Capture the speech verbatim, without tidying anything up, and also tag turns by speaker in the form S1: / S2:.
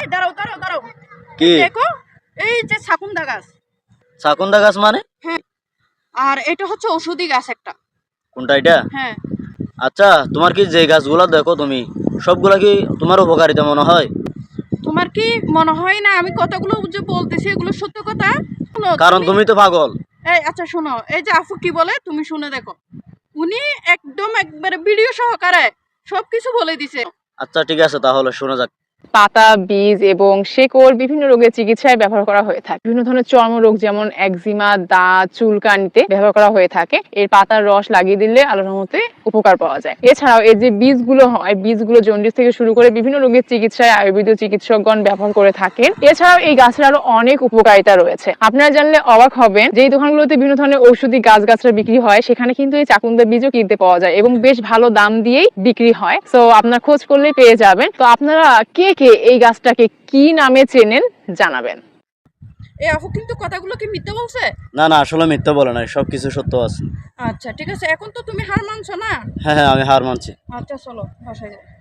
S1: দাঁড়াও দাঁড়াও দাঁড়াও
S2: কি
S1: দেখো, এই যে ছাকুন্দা গাছ।
S2: ছাকুন্দা গাছ মানে?
S1: হ্যাঁ, আর এটা হচ্ছে ঔষধি গাছ একটা।
S2: কোনটা এটা?
S1: হ্যাঁ।
S2: আচ্ছা, তোমার কি যে গাছগুলা দেখো তুমি সবগুলা কি তোমার উপকারিতা মনে হয়?
S1: তোমার কি মনে হয় না আমি কতগুলো যে বলতেছি এগুলো সত্য কথা? শোনো,
S2: কারণ তুমি তো পাগল।
S1: এই আচ্ছা শোনো, এই যে আফু কি বলে তুমি শুনে দেখো। উনি একদম একবারে ভিডিও সহকারে সবকিছু বলে দিছে।
S2: আচ্ছা ঠিক আছে, তাহলে শোনা যাক।
S3: পাতা, বীজ এবং শেকড় বিভিন্ন রোগের চিকিৎসায় ব্যবহার করা হয়ে থাকে। বিভিন্ন ধরনের চর্মরোগ যেমন একজিমা, দাঁত, চুলকানিতে ব্যবহার করা হয়ে থাকে। এর পাতার রস লাগিয়ে দিলে আল্লাহর রহমতে উপকার পাওয়া যায়। এছাড়াও এর যে বীজগুলো হয়, বীজগুলো জন্ডিস থেকে শুরু করে বিভিন্ন রোগের চিকিৎসায় আয়ুর্বেদীয় চিকিৎসকগণ ব্যবহার করে থাকেন। এছাড়াও এই গাছের আরো অনেক উপকারিতা রয়েছে। আপনারা জানলে অবাক হবেন, যে এই দোকানগুলোতে বিভিন্ন ধরনের ঔষধি গাছগাছরা বিক্রি হয়, সেখানে কিন্তু এই চাকুন্দা বীজও কিনতে পাওয়া যায় এবং বেশ ভালো দাম দিয়েই বিক্রি হয়। তো আপনার খোঁজ করলেই পেয়ে যাবেন। তো আপনারা কে কে এই গাছটাকে কি নামে চেনেন জানাবেন।
S1: এই আফু কিন্তু কথাগুলো কি মিথ্যা বলছে?
S2: না না, আসলে মিথ্যা বলে নাই, সবকিছু সত্য আছে।
S1: আচ্ছা ঠিক আছে, এখন তো তুমি হার মানছো না?
S2: হ্যাঁ হ্যাঁ, আমি হার মানছি।
S1: আচ্ছা চলো বাসায় যাই।